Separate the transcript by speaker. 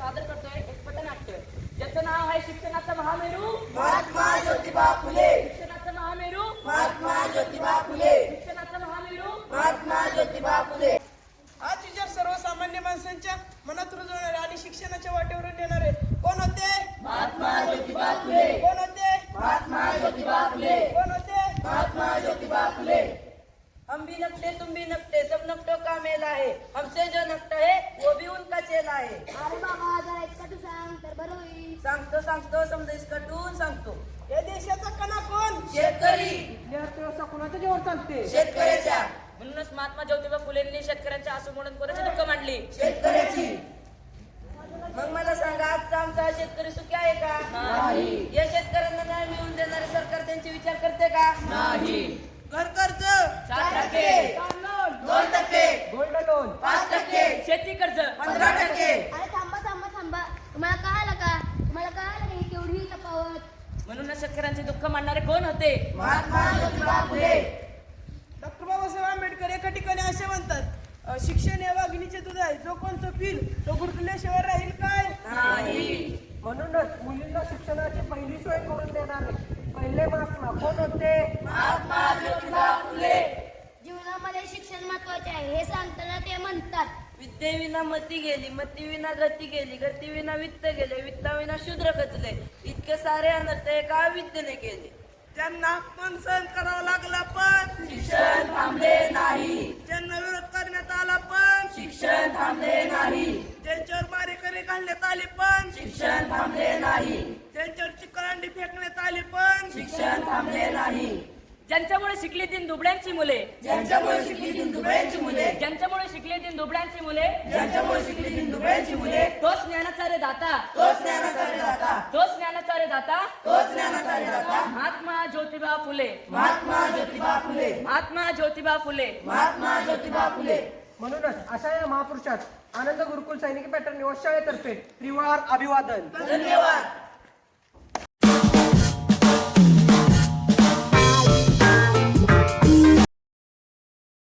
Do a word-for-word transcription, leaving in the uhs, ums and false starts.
Speaker 1: सादर करतोय एक पथनाट्य ज्याचं नाव आहे शिक्षणाचा महामेरू
Speaker 2: महात्मा ज्योतिबा फुले.
Speaker 1: शिक्षणाचा महामेरू
Speaker 2: महात्मा ज्योतिबा फुले.
Speaker 1: शिक्षणाचा महामेरू
Speaker 2: महात्मा ज्योतिबा फुले.
Speaker 3: आज विचार सर्वसामान्य माणसांच्या मनात रुजवणारे आणि शिक्षणाच्या वाटेवरून नेणारे कोण होते?
Speaker 2: महात्मा ज्योतिबा फुले.
Speaker 3: कोण होते?
Speaker 2: महात्मा ज्योतिबा फुले.
Speaker 3: कोण होते?
Speaker 2: महात्मा ज्योतिबा फुले.
Speaker 4: हम भी नकटे तुम भी नकटे सब नकटों का मेला है हमसे जो नकटा है वो भी उनका चेला है.
Speaker 5: अरे बाबा जरा इसका तू सांग तर बरं होईल.
Speaker 4: सांगतो सांगतो समजा इसकटून सांगतो.
Speaker 3: या देशाचा कणा कोण?
Speaker 2: शेतकरी.
Speaker 3: अर्थव्यवस्था कोणाच्या जीवन चालते?
Speaker 2: शेतकऱ्याच्या.
Speaker 1: म्हणूनच महात्मा ज्योतिबा फुलेंनी शेतकऱ्यांच्या आसू म्हणून कोणाची दुःख मांडली?
Speaker 2: शेतकऱ्याची.
Speaker 4: मग मला सांगा आजचा आमचा शेतकरी सुखी आहे का?
Speaker 2: नाही.
Speaker 4: या शेतकऱ्यांना न्याय मिळवून देणारे सरकार त्यांचे विचार करते का?
Speaker 2: नाही.
Speaker 3: घर कर्ज
Speaker 2: चार टक्के. दोन टक्के.
Speaker 3: गोल्ड लोन
Speaker 2: पाच टक्के.
Speaker 1: शेती कर्ज
Speaker 2: पंधरा टक्के.
Speaker 5: अरे थांबा थांबा थांबा तुम्हाला कळालं का तुम्हाला कळालं नाही केवढी तफावत.
Speaker 1: म्हणूनच शेतकऱ्यांचे दुःख मांडणारे कोण होते?
Speaker 2: महात्मा ज्योतिबा फुले.
Speaker 3: डॉक्टर बाबासाहेब आंबेडकर एका ठिकाणी असे म्हणतात, अ, शिक्षण या वाघिणीचे दूध आहे, जो कोण तो पिल तो गुरकुल्याशिवाय राहील काय?
Speaker 2: नाही.
Speaker 3: म्हणूनच मुलींना शिक्षणाची पहिली सोय करून देणारे पहिले महात्मा कोण होते?
Speaker 2: महात्मा ज्योतिबा फुले.
Speaker 5: जीवनामध्ये शिक्षण महत्वाचे आहे हे सांगताना ते म्हणतात
Speaker 4: विद्येविना मती गेली मती विना गती गेली गती विना वित्त गेले वित्ताविना शूद्र खचले इतके सारे अनर्थ एका विद्येने केले.
Speaker 3: त्यांना अपमान सहन करावा लागला पण
Speaker 2: शिक्षण थांबले नाही.
Speaker 3: ज्यांना विरोध करण्यात आला पण
Speaker 2: शिक्षण थांबले नाही.
Speaker 3: ज्यांच्यावर मारेकरी घालण्यात आली पण
Speaker 2: शिक्षण थांबले नाही.
Speaker 3: ज्यांच्यावर चिकरांडी फेकण्यात आली पण
Speaker 2: शिक्षण थांबले नाही.
Speaker 1: ज्यांच्यामुळे शिकली दिन दुबळ्यांची मुले
Speaker 2: ज्यांच्यामुळे शिकली दिन दुबळ्यांची मुले.
Speaker 1: ज्यांच्यामुळे शिकली दिन दुबळ्यांची मुले
Speaker 2: ज्यांच्यामुळे शिकली दिन दुबळ्यांची मुले.
Speaker 1: तोच ज्ञानाचा रे दाता
Speaker 2: तोच ज्ञानाचा रे दाता.
Speaker 1: तोच ज्ञानाचा रे दाता
Speaker 2: तोच ज्ञानाचा रे दाता.
Speaker 1: महात्मा ज्योतिबा फुले
Speaker 2: महात्मा ज्योतिबा फुले.
Speaker 1: महात्मा ज्योतिबा फुले
Speaker 2: महात्मा ज्योतिबा फुले.
Speaker 3: म्हणूनच अशा या महापुरुषात आनंद गुरुकुल सैनिकी पॅटर्न निवास शाळेतर्फे त्रिवार अभिवादन.
Speaker 2: धन्यवाद.